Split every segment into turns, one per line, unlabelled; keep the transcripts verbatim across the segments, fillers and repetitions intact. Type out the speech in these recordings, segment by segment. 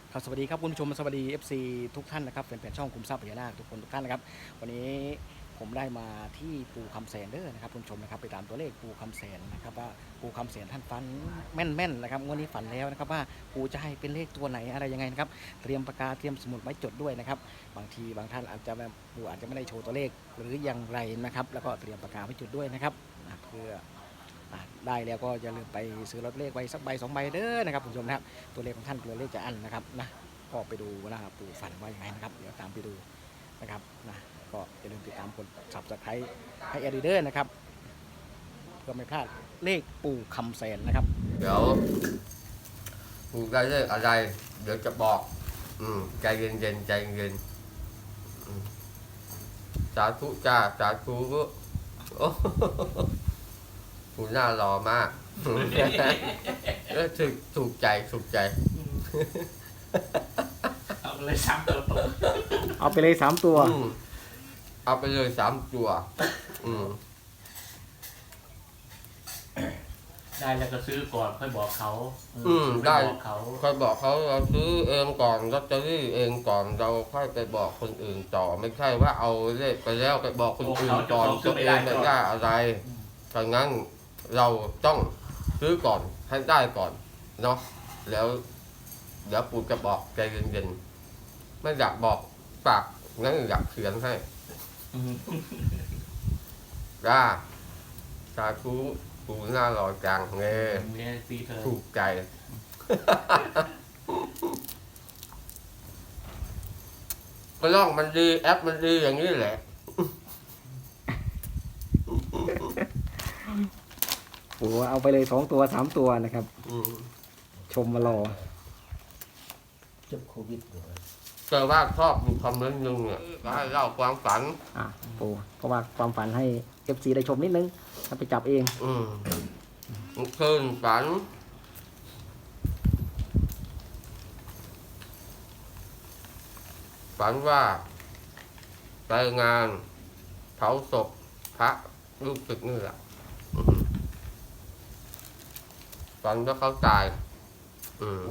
ครับสวัสดีครับคุณผู้ชมสวัสดี เอฟ ซี ทุกท่านนะครับแฟนๆช่องคุมทรัพย์พญานาคทุกคนทุกท่านนะครับวันนี้ผมได้มาที่ปูคำแสนเด้อนะครับคุณผู้ชมนะครับไปตามตัวเลขปูคำแสนนะครับว่าปูคำแสนท่านฟันแม่นๆนะครับงวดนี้ฝันแล้วนะครับว่าปูจะให้เป็นเลขตัวไหนอะไรยังไงนะครับเตรียมปากกาเตรียมสมุดไว้จดด้วยนะครับบางทีบางท่านอาจจะแบบปูอาจจะไม่ได้โชว์ตัวเลขหรืออย่างไรนะครับแล้วก็เตรียมปากกาไว้จดด้วยนะครับเพื่อได้แล้วก็อย่าลืมไปซื้อลอตเตอรี่ไว้สักใบสองใบเด้อนะครับคุณผู้ชมนะครับตัวเลขของท่านตัวเลขจะอั้นนะครับนะก็ไปดูว่าปู่ฝันว่าอย่างไรนะครับเดี๋ยวตามไปดูนะครับนะก็อย่าลืมติดตามกด ซับสไครบ์ ให้แอดดิเดอร์นะครับเพื่อไม่พลาดเลขปู่คำแสนนะครับ
เดี๋ยวปู่ได้เลขอะไรเดี๋ยวจะบอกอืมใจเย็นๆใจเย็นอืมสาธุจ้าสาธุโอ้ปู่น่ารอมากเออถูกถูกใจถูกใจ
เอาเลยสามตัวตรง
เอาไปเลยสามตัว
อืมเอาไปเลยสามตัวอืม
ได้แล้วก็ซื้อก่อนค่อยบอกเขา
อืมได้
บอกเขา
ค่อยบอกเขาเราซื้อเองก่อนลอตเตอรี่เองก่อนเราค่อยไปบอกคนอื่นต่อไม่ใช่ว่าเอาเลขไปแล้วไปบอกคนอื่นก่อนตัวเองไม่ได้อะไรดังนั้นเราต้องซื้อก่อนให้ได้ก่อนเนาะแล้วเดี๋ยวปู่จะบอกใจเย็นๆไม่อยากบอกปากงั้นอยากเขียนให้จ้าสาธุปู่น่ารอจังเงี้ย
เนี่ยซีเธอ
ถูกใจก็ล่องมันดีแอปมันดีอย่างนี้แหละ
ปู่เอาไปเลยสองตัวสามตัวนะครับ
อืม
ชมมารอ
จบโควิดเลย
แต่ว่าชอบดูคอมเมนต์หนึงเนี่ยก็ให้เล่าความฝัน
อ่ะปู่เพราะว่าความฝันให้ เอฟ ซี ได้ชมนิดนึงถ้าไปจับเอง
อืมคืนฝันฝันว่าไปงานเผาศพพระลูกศึกนี่แหละอืมฝันว่าเขาตาย อืม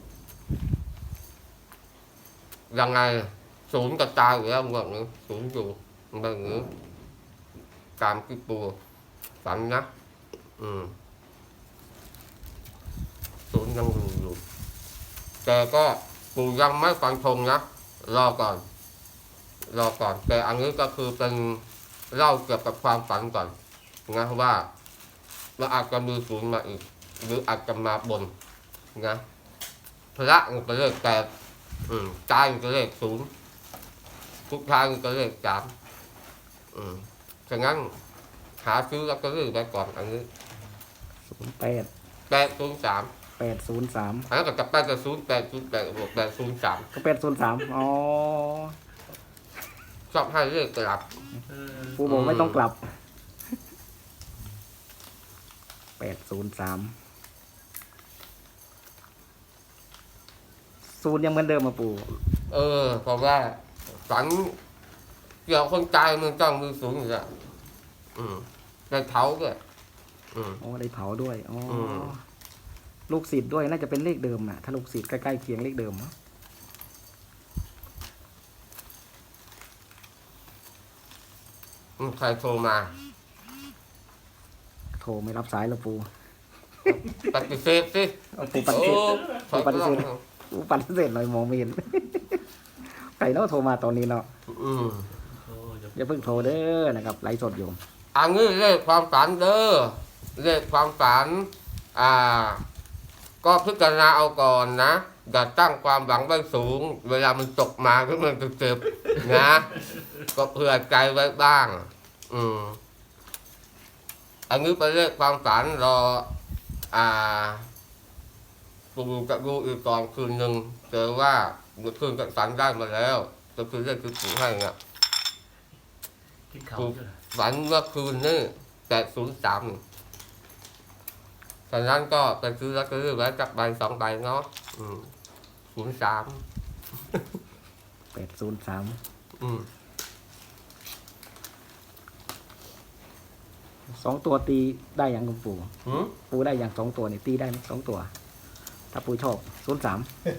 ยังไงศูนย์กับตายอยู่แล้วแบบนี้ศูนย์อยู่แบบนี้ตามที่ปูฝันนะ อืมศูนย์ยังอยู่อยู่แต่ก็ปูยังไม่ฟันธงนะรอก่อน รอก่อน แต่อันนี้ก็คือเป็นเล่าเกี่ยวกับความฝันก่อนนะว่าเราอาจจะมีศูนย์มาอีก หรืออาจจะมาบนนะพระมันก็เลขแปดอืมตายมันก็เลขศูนย์ทุกทางมันก็เลขสามอืมฉะนั้นหาซื้อแล้วก็เลือกไปก่อนอันนี้
ศูนย์แปด
แปดศูนย์สาม
แปดศูนย์สาม
อันนั้นก็จะแปดกับศูนย์แปดศูนย์แปดบวกแปดศูนย์สาม
ก็แปดศูนย์สามอ๋อ
ชอบให้เลขกลับ
ปู่บอกไม่ต้องกลับแปดศูนย์สามศูนย์ยังเหมือนเดิมมาปู่
เออเพราะว่าฝันเกี่ยวคนตายมันต้องมีศูนย์อยู่แล้วอืมในเท้าด้วยอืม
อ๋อได้เผาด้วยอ๋ออ
ม
ลูกศิษย์ด้วยน่าจะเป็นเลขเดิมอ่ะถ้าลูกศิษย์ใกล้ๆเคียงเลขเดิมเนอะ
อืมใครโทรมา
โทรไม่รับสายแล้วปู่
ปฏิเสธสิ
เอาปู่ปฏิ
โอ้
เสธ
ขอ
ปฏิเสธ ปู่ปฏิเสธเลยมองไม่เห็น ใครเนาะโทรมาตอนนี้เนาะ
อืม
โอ้ย
อย่าเพิ่งโทรเด้อนะครับไลฟ์สดอยู่
อันนี้เลขความฝันเด้อเลขความฝันอ่า ก็พิจารณาเอาก่อนนะอย่าตั้งความหวังไว้สูง เวลามันตกมาก็มันจะเจ็บนะ ก็เผื่อใจไว้บ้าง อืมอันนี้เป็นเลขความฝันรอ อ่าปูกับดูอีกก่อนคืนหนึ่งเจอว่าเมื่อคืนกับฝันได้มาแล้วก็คือเลขที่ปูให้เนี่ย
กินเขาเยอะ
ฝันเมื่อคืนนี่แปดศูนย์สามฉะนั้นก็ไปซื้อลอตเตอรี่ไว้จักใบสองใบเนาะศูนย์สาม
แปดศูนย์สาม
อืม
สองตัวตีได้อย่างคุณปู่
หืม
ปู่ได้อย่างสองตัวนี่ตีได้ไหมสองตัวถ้าปูชอบศูนย์สาม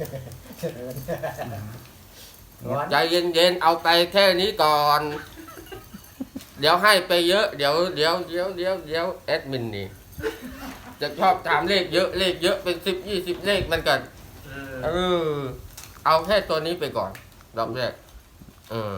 ใจเย็นๆเอาไปแค่นี้ก่อน เดี๋ยวให้ไปเยอะเดี๋ยวเดี๋ยวเดี๋ยวเดี๋ยวเดี๋ยวแอดมินนี่จะชอบถามเลขเยอะเลขเยอะเป็นสิบยี่สิบเลขมันกัน
เออ
เออเอาแค่ตัวนี้ไปก่อนรอบแรกเออ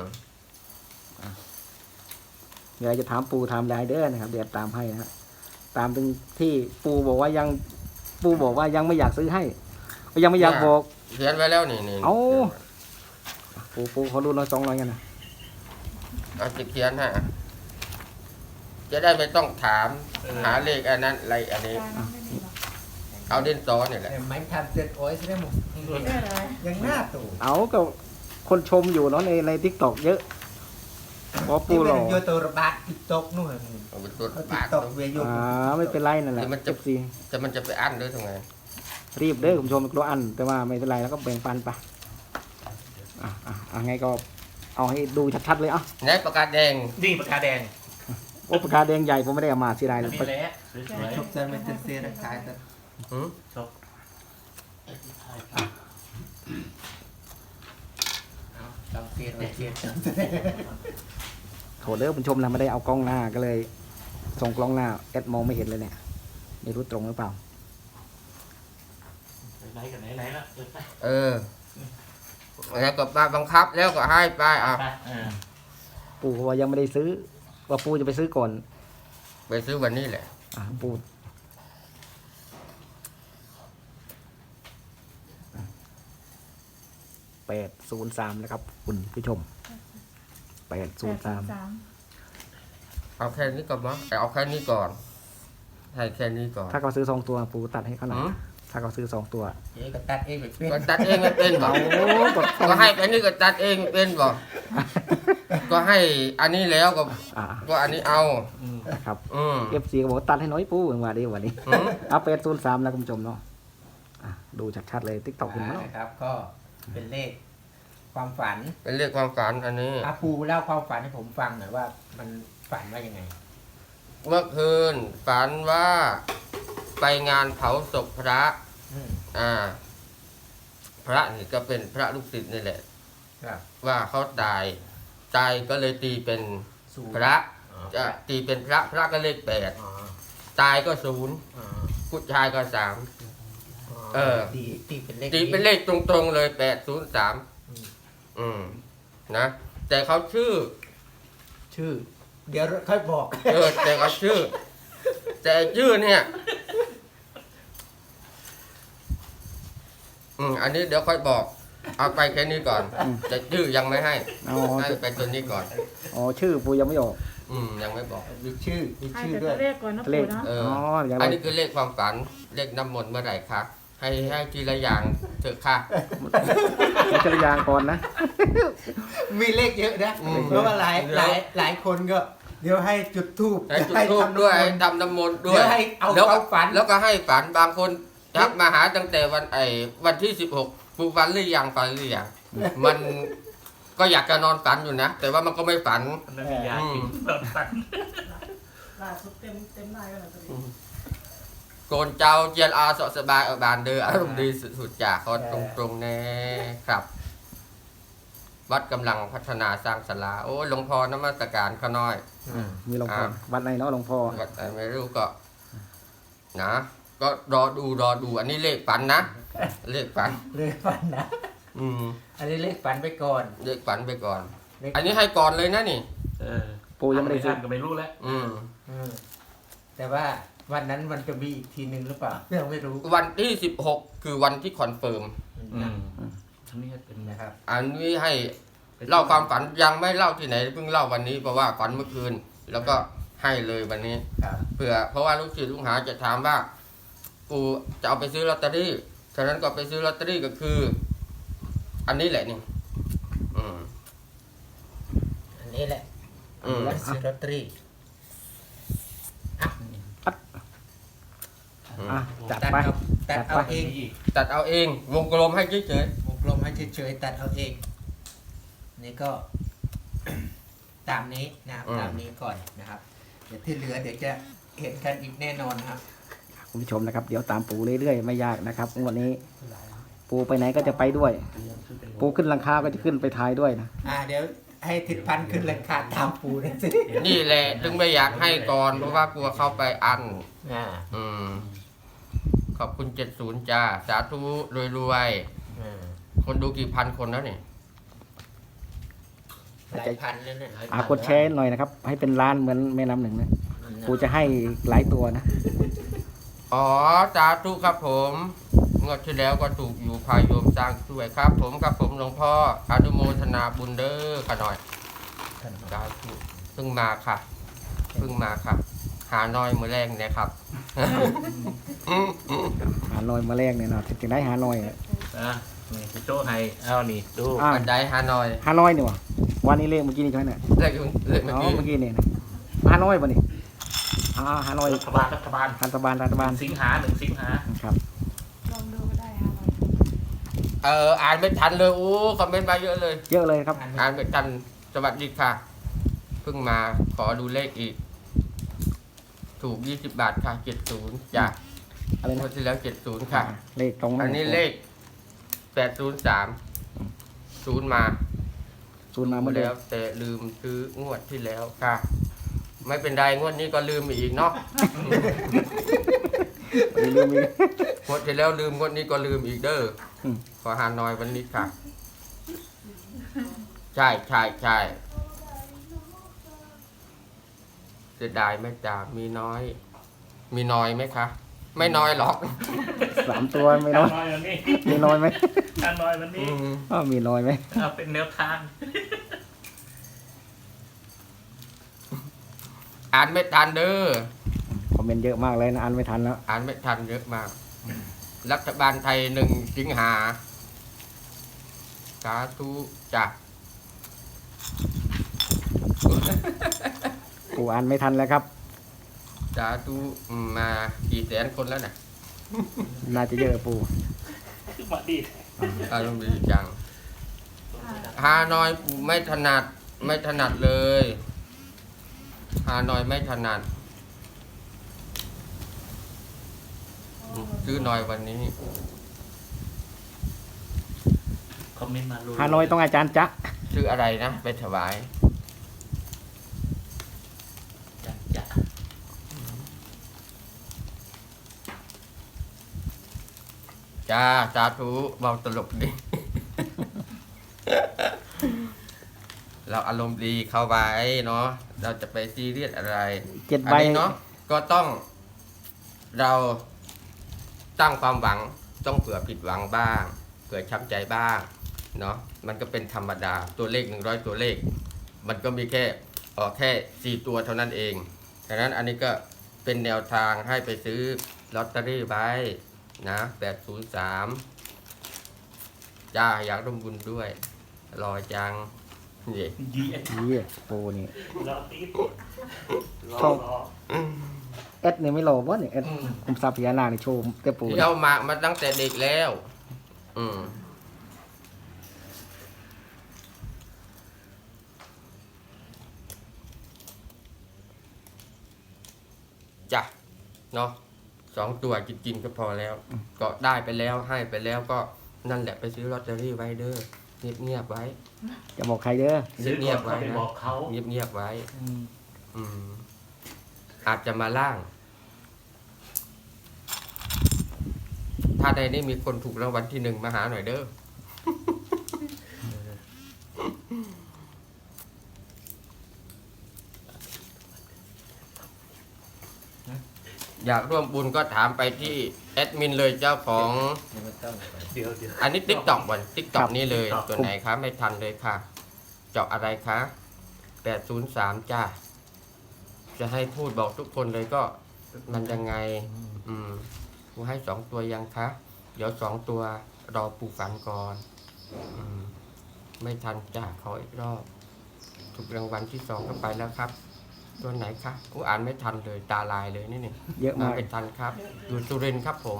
เดี๋ยวจะถามปูถามยายเด้อนะครับเดี๋ยวตามให้นะครับตามถึงที่ปูบอกว่ายังปูบอกว่ายังไม่อยากซื้อให้ยังไม่อยากบอก
เขียนไว้แล้วนี่นี่
เอา ปูปูเขาดูน้อยสองน้อยกันนะ
เอาจะเขียนให้อ่ะจะได้ไม่ต้องถามหาเลขอันนั้นอะไรอันนี้ เอาเด่นซอเนี่ยแหละ
Em bánh tham tuyệt ối sẽ mộtยังหน้าตู่
เอาก็คนชมอยู่เนาะในในทิกตอกเยอะเพราะปู
ที่
หล่อ
เป็นโยตัวระบาดติ๊กต็อกนู่น
เอาเป็นตัว
ติ๊
ปาก
กต็อกเวียโย
อ่าไม่เป็นไรนั่นแหละ
เดี๋ยวมันจะ
เจ็บซี
จะมันจะไปอั้นด้วยทำไง
รีบเด้อคุณผู้ชมกลัวอัน แต่ว่าไม่เป็นไรแล้วก็แบ่งปันไปอ่ะอ่ะอ่ะไงก็เอาให้ดูชัดๆเลยอ่ะ
ไหนประกาศแดง
นี่ปากกาแดง
โอ้ปากกาแดงใหญ่ผมไม่ได้เอามาเสียดายเลย
นี่แหละสวย
ชอบใจมันจะเสียร่างกายแต่
หืม
ๆชอบ
ต้องเสียแต่เสีย
โถเด้อคุณผู้ชมนะไม่ได้เอากล้องหน้าก็เลยส่งกล้องหน้าแอดมองไม่เห็นเลยเนี่ยไม่รู้ตรงหรือเปล่า
ไหนกันไหนไหนละเออไป
เออแล้วก็มาบังคับแล้วก็ให้ไปอ่ะ
ไปเออ
ปู่เขาว่ายังไม่ได้ซื้อ ว่าปู่จะไปซื้อก่อน
ไปซื้อวันนี้แหละ
อ่าปู่แปดศูนย์สามนะครับ คุณผู้ชมแปดศูนย์สาม
เอาแค่นี้ก่อนมั้งเอาแค่นี้ก่อนให้แค่นี้ก่อน
ถ้าเขาซื้อสองตัวปู่ตัดให้เขาหน่อย
หืม
ถ้าเขาซื้อสองตัว
เจ๊ก็ตัดเองไปเป็น
ก็ตัดเองไม่เป็นบอ
เอา
ก
กด
ก็ให้ไปนี่ก็ตัดเองเป็นบอกก็ให้อันนี้แล้วก็
อ่า
ก็อันนี้เอา
อืม
ครับ
อืม
เอฟซีก็บอกว่าตัดให้น้อยปู่มาดีวันนี้
หืม
เอาแปดศูนย์สามนะคุณผู้ชมเนาะอ่ะดูชัดๆเลยติ๊กต็อกคุณเนาะ
นะครับ ก็เป็นเลขความฝัน
เป็นเรื่องความฝันอันนี้
อาปูเล่าความฝันให้ผมฟังหน่อยว่ามันฝันว่ายังไง
เมื่อคืนฝันว่าไปงานเผาศพพระ
อืม
อ่า พระนี่ก็เป็นพระลูกศิษย์นี่แหละ
ครับ
ว่าเขาตายตายก็เลยตีเป็น
ศูนย์
พระ
อ๋อ
จะตีเป็นพระพระก็เลขแปด
อ๋อ
ตายก็ศูนย์
อ๋อ
ผู้ชายก็สาม เออ
ตีตีเป็นเลข
ตีเป็นเลขตรงๆเลยแปดศูนย์สาม
อืม
อืมนะ แต่เขาชื่อ
ชื่อ เดี๋ยวค่อยบอก
เออแต่เขาชื่อ แต่ชื่อเนี่ย อืมอันนี้เดี๋ยวค่อยบอก เอาไปแค่นี้ก่อนแต่ชื่อยังไม่ให้
อ๋อ
ให้ไปตัวนี้ก่อน
อ๋อชื่อปู่ยังไม่ออก
อืมยังไม่บอก
มีชื่อมี
ให้
ชื่อ
แต่
ด้ว
ตั
ยว
เลขก่อนนะ
เล
ปู่
ข
เนาะ
เออ
อ๋ออย่าง
อัน
ไร
นี้คือเลขความฝัน เลขน้ำมนต์เมื่อไหร่คะให้ให้ทีละอย่างเถอะค่ะ
ไม่ใช่ยางก่อนนะ
มีเลขเยอะนะ
อืม
เพราะว่าหลายหลายหลายคนก็ เดี๋ยวให้จุดทูบ
ให้จุดทูบด้วยให้ทำน้ำมนต์ด้วย
เดี๋ยวให้เอา
แล้ว
ควา
ก็
มฝัน
แล้วก็ให้ฝันบางคนทักมาหาตั้งแต่วันไอ้วันที่สิบหกปูฝันหรือยังฝันหรือยังมันก็อยากจะนอนฝันอยู่นะ แต่ว่ามันก็ไม่ฝัน
มันไม่มียากินแบบตัด
ล่าสุดเต็มเต็มได้แล้วตอนนี้
โกนเจ้าเจียนอาสอสบายเอาบานเดออารมณ์ดีสุดๆจากเขาตรงตรงๆแน่ครับ วัดกำลังพัฒนาสร้างศาลาโอ้หลวงพ่อนมัสการเขาน้อย
อืม
มีหลวงพ่อ
อ่า
วัดไหนเนาะหลวงพ่อ
วัดไหนไม่รู้ก็ นะ ก็รอดูรอดู อันนี้เลขฝันนะเลขฝัน
เลขฝันนะ
อืม
อันนี้เลขฝันไปก่อน
เลขฝันไปก่อน
เลข
อันนี้ให้ก่อนเลยนะนี่
เออ
ปู่ยังไม่ได้ซื้อ
ก็ไม่รู้แล้ว
อืม
อืมแต่ว่าวันนั้นมันจะมีอีกทีหนึ่งหรือเปล่ายังไม่รู้
วันที่สิบหกคือวันที่คอนเฟิร์ม
อืมทั้งนี้เป็น
นะครับ
อันนี้ให้เล่าความฝันยังไม่เล่าที่ไหนเพิ่งเล่าวันนี้เพราะว่าฝันเมื่อคืน แล้วก็ให้เลยวันนี้
ครับ
เผื่อเพราะว่าลูกศิษย์ลูกหาจะถามว่ากูจะเอาไปซื้อลอตเตอรี่ฉะนั้นก็ไปซื้อลอตเตอรี่ก็คือ อันนี้แหละนี่ อืม
อันนี้แหละ
อืม
แล้วซื้อลอตเตอรี่อ่ะ
อ่ะจัด
ตัด
ไป
เอาตัดเอาเอง
อีก
ตัดเอาเองวงกลมให้เฉยว
งกลมให้เฉยๆตัดเอาเอง นี่ก็ ตามนี้นะครับตามนี้ก่อนนะครับ เดี๋ยวที่เหลือเดี๋ยวจะเห็นกันอีกแน่นอนนะครับ
คคุณผู้ชมนะครับ เดี๋ยวตามปูเรื่อยๆไม่ยากนะครับงวดนี้ ปูไปไหนก็จะไปด้วย ปูขึ้นหลังคาก็จะขึ้นไปท้ายด้วยนะ
อ่าเดี๋ยวให้ทิศพันธ์ขึ้นราคาตามปูนะสิ
นี่แหละถึงไม่อยากให้ก่อนเพราะว่ากลัวเข้าไปอัน
อ่า
อืม ขอบคุณเจ็ดศูนย์จ้า สาธุรวยๆ
อ่า
คนดูกี่พันคนแล้วเนี่ย
หลายพันแล้วเนี่ย
อากดแชร์หน่อยนะครับ ให้เป็นล้านเหมือนแม่น้ำหนึ่งนะปูจะให้หลายตัวนะ
อ๋อ สาธุครับผมงวดที่แล้วก็ถูกอยู่พายโยมสร้างช่วยครับ ผมครับผมหลวงพ่ออนุโมทนาบุญเด้อกันหน่อยสาธุเพิ่งมาค่ะเพิ่งมาค่ะ หาน้อยมือแรงเนี่ยครับ
หาหน่อยมาแรกเนี่ยเนาะถึงได้หาหน่อยอะ
อ่ะนี่คุณโจ้ให้เอานี่ดู
อ่า
บันไดหาน้อย
หาน้อยนี่วะวันนี้เลขเมื่อกี้นี่ใช่ไหมเนี่ย
เลขเลขเมื่อ
อ๋อ
กี้
เมื่อกี้นี่นะหาน้อยป่ะนี่อ่าหาน้อย
รัฐบาลรัฐบาล
รัฐบาลรัฐบาล
สิงหาหนึ่งสิงหา
ครับ
ลองดูก็ได้ค่ะ
เอออ่านไม่ทันเลยโอ้คอมเมนต์มาเยอะเลย
เยอะเลยครับ
อ่านไม่ทันสวัสดีค่ะ เพิ่งมาขอดูเลขอีก ถูกยี่สิบบาทค่ะเจ็ดศูนย์จ้ะ
อะไร
ง
นะ
วดที่แล้วเจ็ดศูนย์ค่ะ
เลขตรง
อันนี้เลขแปดศูนย์สามศูนย์มา
ศูนย์มาเมื่อเดือ
แล้วแต่ลืมซื้องวดที่แล้วค่ะ ไม่เป็นไรงวดนี้ก็ลืมอีกเนาะ
นลืมอีก
งวดที่แล้วลืมงวดนี้ก็ลืมอีกเด้ออ
ม
ขอหาน้อยวันนี้ค่ะ ใช่ใช่ใช่เสียดายไหมจ่ามีน้อย มีน้อยไหมคะ ไม่น้อยหรอก
สามตัวไม่
น้
น้
อ
อย
ยวันนี้
มีน้อยไหม
ทานน้อยวันนี้
อ้าวมีน้อยไหม
เอาเป็นแนวทาง
อ่านไม่ทันเด้อ
คอมเมนต์เยอะมากเลยนะอ่านไม่ทันแล้ว
อ่านไม่ทันเยอะมาก รัฐบาลไทยหนึ่งสิงหาสาธุจ้ะ
ปูอ่านไม่ทันแล้วครับ
สาธุอืมมากี่แสนคนแล้วน่ะ
น่าจะเยอะปู
คือมาดี
อารมณ์ดีจังฮานอยไม่ถนัดไม่ถนัดเลยฮานอยไม่ถนัดซื้อหน่อยวันนี้
คอมเมนต์มารู้
ฮานอยต้องอาจารย์จ๊ะ
ซื้ออะไรนะ ไปถวาย
จะจะ
จ้าสาธุเบาตลกดี เราอารมณ์ดีเข้าไว้เนาะเราจะไปซีเรียสอะไร
เจ็ด
อั
ใบ
นนี้เนาะก็ต้องเราตั้งความหวังต้องเผื่อผิดหวังบ้างเผื่อช้ำใจบ้างเนาะมันก็เป็นธรรมดาตัวเลขหนึ่งร้อยตัวเลข มันก็มีแค่ออกแค่สี่ตัวเท่านั้นเองดังนั้นอันนี้ก็เป็นแนวทางให้ไปซื้อลอตเตอรี่ไว้นะแปดศูนย์สามจ้าอยากร่วมบุญด้วยรอจังนี่
ดีเอ็ด
นี่ปูนี่
รอตีดรอ
ชอบ
รอ
เอสเนี่ยไม่รอวะเนี่ยเอสคุมทรัพย์พญานาคในโชว์เต้ปู
เที่ยวมามาตั้งแต่เด็กแล้ว อืมจ้ะเนาะสองตัวจริงๆก็พอแล้ว ก็ได้ไปแล้วให้ไปแล้วก็นั่นแหละไปซื้อลอตเตอรี่ไว้เด้อเงียบๆไว้
จะบอกใครเด้อ
ซื้อ
เงี
ก่
ย
อน
บๆไว้
เขาไป
นะ
บอกเขา
เงียบๆไว้
อืม
อืม อาจจะมาล่าง ถ้าใดนี้มีคนถูกรางวัลที่หนึ่งมาหาหน่อยเด้อ อยากร่วมบุญก็ถามไปที่แอดมินเลยเจ้าของ
ไม่ต้อง
เดี๋ยวเดี๋ยว
อันนี้ติ๊กต็อกวันติ๊กต็อกนี่เลย
TikTok
ตัวไหนคะไม่ทันเลยค่ะ เจาะอะไรคะแปดศูนย์สามจ้า จะให้พูดบอกทุกคนเลยก็มันยังไง อืมกูให้สองตัวยังคะ เดี๋ยวสองตัวรอปูฝันก่อน อืม ไม่ทันจ้าขออีกรอบ ถูกรางวัลที่สองก็ไปแล้วครับ ตัวไหนคะกูอ่านไม่ทันเลยตาลายเลยนี่นี่
เยอะมาก
ไม่ทันครับ อยู่สุรินทร์ครับผม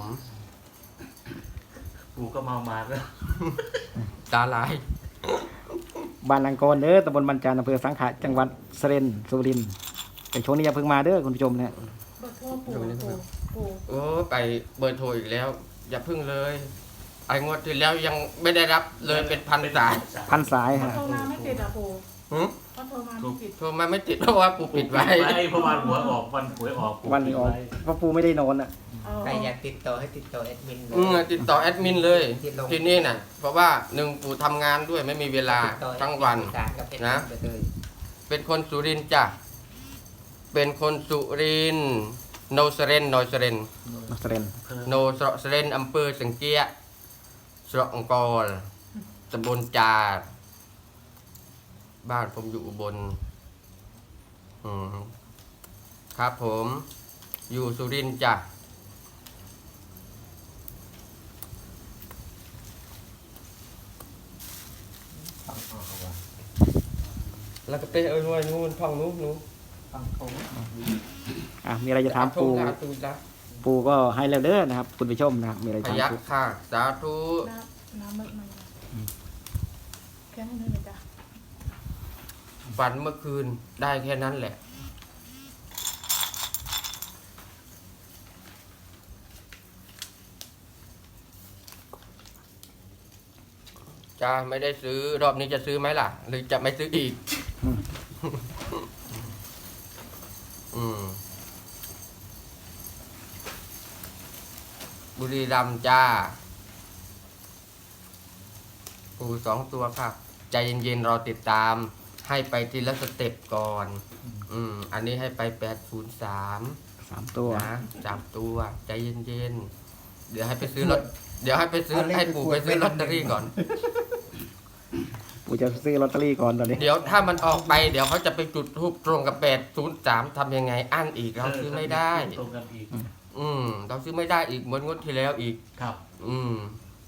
กูก็เมามาแล้ว
ตาลาย
บ้านลังกรเด้อตำบลบรรจานอำเภอสังขะจังหวัดสุรินทร์สุรินทร์แต่ช่วงนี้อย่าเพิ่งมาเด้อคุณผู้ชมเนี่ย
เบอร์โทรปู่ปู่ปู่
โอ้ไปเบอร์โทรอีกแล้ว อย่าพึ่งเลยไอ้งวดที่แล้วยังไม่ได้รับเลยเป็นพันสาย
พันสายฮะ
โทรมาไม่ติดอ่ะปู่
หืม
ก็โทรมาไม่ติด
โทรมาไม่ติดเพราะว่าปู่ปิดไว้
เพราะวันหัวยออกวันหวยออก
วันนี้ออกเพราะปูไม่ได้นอนอ่ะ
เออ
ใครอยากติดต่อให้ติดต่อแอดมินเลย
อืมติดต่อแอดมินเลย
ที่ลง
ที่นี่น่ะ เพราะว่าหนึ่งปู่ทำงานด้วยไม่มีเวลา
ติดต่อ
ทั้งวัน
สื่อสารกับแอดมิ
นะ
ไปเลย
เป็นคนสุรินทร์จ้ะเป็นคนสุรินทร์โนสเรนโนสเรน
นักแสดง
โนสระสเรนอำเภอสังเกียสระองกอลตำบลจาดบ้านผมอยู่อุบลอืมครับผม อยู่สุรินทร์จ้ะแล้วก็ไปเอ้ยนู่นนู่นท่องนู้นนู้น
ฟังผม
อ่ะมีอะไรจะถามปู
สาธุนะ
ปูก็ให้แล้วเด้อนะครับคุณผู้ชมนะครับมีอะไร
พ
ถาม
ยัก
ปู
ค่ะ สาธุ
น้ำน้ำมึกมันแค่นั้นเลยจ้ะ
ฝันเมื่อคืนได้แค่นั้นแหละ จ้าไม่ได้ซื้อรอบนี้จะซื้อไหมล่ะ หรือจะไม่ซื้ออีก อืมบุรีรัมย์จ้า ปูสองตัวค่ะ ใจเย็นๆรอติดตาม ให้ไปทีละสเต็ปก่อน อืม อันนี้ให้ไปแปดศูนย์สาม
สามตัว
นะสามตัว ใจเย็นๆ เดี๋ยวให้ไปซื้อรถ เดี๋ยวให้ไปซื้อให้ปู่ไปซื้อลอตเตอรี่ก่อน
ปูจะซื้อลอตเตอรี่ก่อนตอนนี้
เดี๋ยวถ้ามันออกไป เดี๋ยวเขาจะไปจุดทูปตรงกับแปดศูนย์สามทำยังไง อั้นอีกเราซื้อไม่ได้
ตรงกันอีก
อืม เราซื้อไม่ได้อีกเหมือนงวดที่แล้วอีก
ครับ
อืม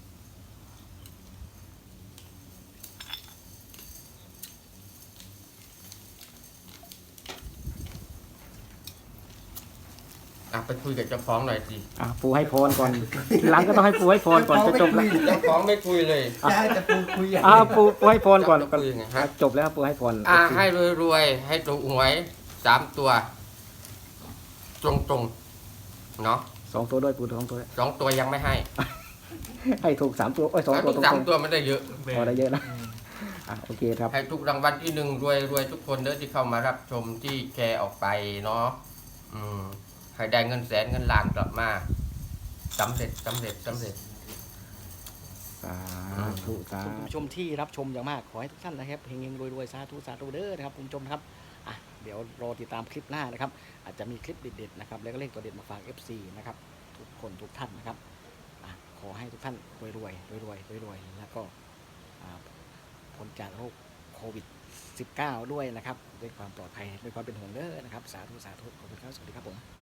อ่ะไปคุยกับเจ้าของหน่อยสิ
อ่ะปูให้พรก่อนทีหลังก็ต้องให้ปูให้พรก่อนจะจบแล้ว
เจ้าของไม่คุยเลย
ได้จะพูดคุยอย่าง
อ่ะ
นี้
ปูปูให้พรก่อน
จะคุยยังไงฮะ
จบแล้วปูให้พร
อ่าให้รวยๆ ให้ถูกหวยสามตัว ตรงๆ เนาะ
สองตัวด้วยปูสองตัวด้วย
สองตัวยังไม่ให้
ให้ถูกสามตัวโอ้ยสองตัวตร
สาม
ง
ตัวไม่ได้เยอะ
ๆพอได้เยอะนะอ่ะโอเคครับ
ให้ทุกรางวัลที่หนึ่งรวยรวยทุกคนเด้อที่เข้ามารับชมที่แชร์ออกไปเนาะอืมให้ได้เงินแสนเงินล้านกลับมาสำเร็จสำเร็จสำเร็จ
สาธุสาธุคุณผู้ชมที่รับชมอย่างมากขอให้ทุกท่านนะครับเฮงๆรวยๆสาธุสาธุเด้อนะครับคุณผู้ชมนะครับอ่ะเดี๋ยวรอติดตามคลิปหน้านะครับ อาจจะมีคลิปเด็ดๆนะครับแล้วก็เลขตัวเด็ดมาฝาก เอฟ ซี นะครับทุกคนทุกท่านนะครับอ่ะขอให้ทุกท่านรวยๆรวยๆรวยๆแล้วก็อ่าพ้นจากโรคโควิด สิบเก้า ด้วยนะครับด้วยความปลอดภัยด้วยความเป็นห่วงเด้อนะครับสาธุสาธุขอบคุณครับสวัสดีครับผม